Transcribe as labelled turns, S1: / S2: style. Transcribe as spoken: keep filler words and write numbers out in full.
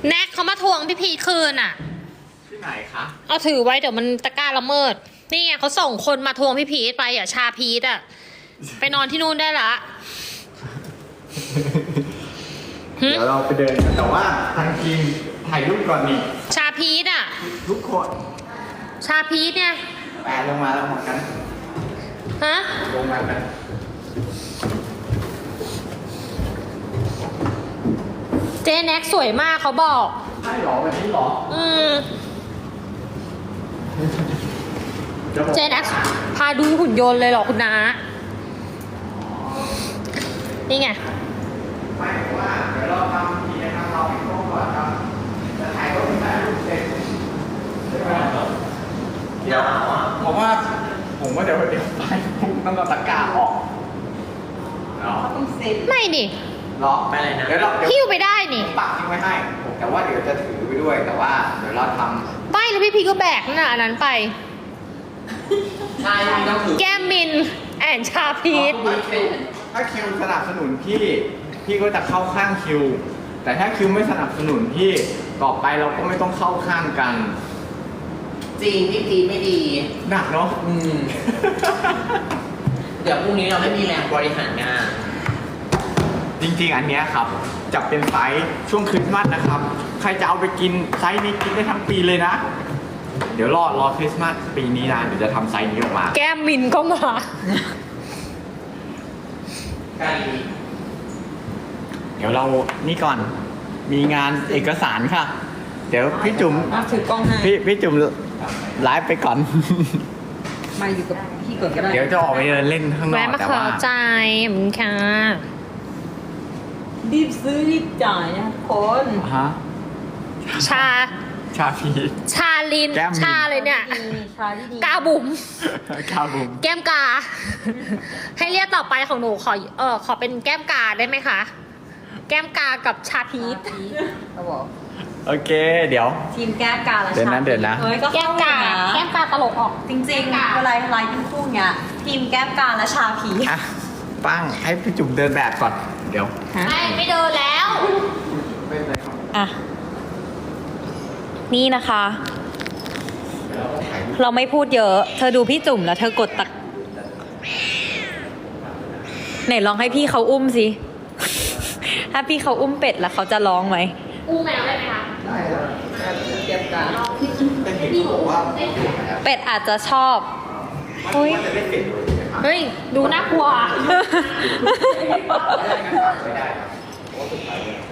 S1: แน็กเขามาทวงพี่พีคืนอ่ะ
S2: ที่ไหนคะ
S1: เอาถือไว้เดี๋ยวมันตะกร้าละเมิดนี่ไงเขาส่งคนมาทวงพี่พีทไปอ่ะชาพีทอ่ะไปนอนที่นู่นได้ละ
S2: เดี๋ยวเราไปเดินกันแต่ว่าทางทีมถ่ายรูปก่อนนี่
S1: ชาพีทอ่ะ
S2: ทุกคน
S1: ชาพีทเนี่ย
S2: แปะลงมาแล้วหมดกัน
S1: ฮะ
S2: ลงมากัน
S1: เจ๊แน็กสวยมากเขาบอก
S2: ใช่หรอวันนี้หรอ
S1: อืมเจ๊แน็กพาดูหุ่นยนต์เลยเหรอคุณน้านี่ไง
S2: ไม่ว่าเดี๋ยวเราทำทีนะครับเราไปโค้งก่อนครับจะถ่ายรูปถ่ายรูปเสร็จใช่ไหมเดี๋ยวผมว่าผมว่าเดี๋ยวเดี๋ยวไปพุ่งต้องเอาตะกร้าออกเนาะ
S1: ไม่นี่
S2: รอไปเลยนะเดี๋ยวเราเดี๋ยว
S1: หิ้วไปได้นี่
S2: ปักทิ้งไว้ให้ แต่ว่าเดี๋ยวจะถือไปด้วยแต่ว่าเดี๋ยวเราทำ
S1: ไม่แล้วพี่พีก็แบกนั่นน่ะอันนั้นไป
S3: ใช่ไม่ต้องถือ
S1: แก้มมินแอนชาพีท
S2: ถ้าคิวสนับสนุนพี่ พี่ก็จะเข้าข้างคิว แต่ถ้าคิวไม่สนับสนุนพี่ ต่อไปเราก็ไม่ต้องเข้าข้างกัน
S3: จริงพี่พีไม่ดี
S2: หนักเนาะ
S3: อืม เดี๋ยวพรุ่งนี้เราไม่มีแรงบริหารงาน
S2: จริงๆ อันเนี้ยครับ จะเป็นไซส์ช่วงคริสต์มาสนะครับ ใครจะเอาไปกินไซส์นี้กินได้ทั้งปีเลยนะ เดี๋ยวรอรอคริสต์มาสปีนี้นะ เดี๋ยวจะทำไซส์นี้ออกมา
S1: แก้มมินก็มา
S3: ไก่
S2: เดี๋ยวเรานี่ก่อน มีงานเอกสารค่ะ เดี๋ยวพี่จุ๋ม
S4: ถือกล้องให้
S2: พี่พี่จุ๋มไลฟ์ไปก่อน
S4: มาอยู่กับพี่ก่อนก็ได้
S2: เดี๋ยวจะออกไปเดินเล่นข้างนอ
S1: แวะ
S2: ก
S1: มา
S2: แต่
S1: ขอ
S2: ว่า
S1: ใจขอบคุณค่ะ
S4: รีบซื้อรีบจ่ายนะคน
S2: ฮะ
S1: ชา
S2: ชาพี
S1: ชาลิน
S4: แก้มมิน
S1: ชาเลยเนี่ย
S4: มีชาที่ดี
S1: กาบุ๋ม
S2: คาบุม
S1: แก้มกา ให้เรียกต่อไปของหนูขอเออขอเป็นแก้มกาได้ไหมคะ แก้มกากับชาพีท
S4: เขาบอก
S2: โอเค เดี๋ยว
S4: ทีมแก้มกาและ
S2: เดี๋ยวนะ
S4: ชา
S2: เดี๋ยวนะ
S4: เฮ้ยก็
S1: แก้ม
S4: เข้าก
S1: า
S4: อยู่นะ
S1: แก้มกาตลกออก
S4: จริงๆเวลาไลฟ์เป็นคู่เนี้ยทีมแก้มกาและชาผี
S2: อ่ะ ปั้งให้พี่จุ๋มเดินแบบก่อน เดี๋ยว
S1: ไม่ไม่เดินแล้ว
S2: เป็นไรครับ
S4: อ่ะนี่นะคะ
S2: เดี๋ยวเราก็ถ่ายรูป
S4: เราไม่พูดเยอะ เธอดูพี่จุ๋มแล้วเธอกดตักไหนลองให้พี่เขาอุ้มสิ ถ้าพี่เขาอุ้มเป็ดแล้วเขาจะร้องไหม
S1: อู้แมวได้ไหมคะ
S2: ได้แล้ว
S4: เก็บกา
S2: แต่เห็นเขาบอกว่า
S4: เป็ดอาจจะชอบ
S2: เฮ้ยจะได้เป็ดเลยนะครับ
S1: เฮ้ย ดูน่ากลัว
S2: ไม่ได้ครับเพราะว่าสุดท้ายเนี่ย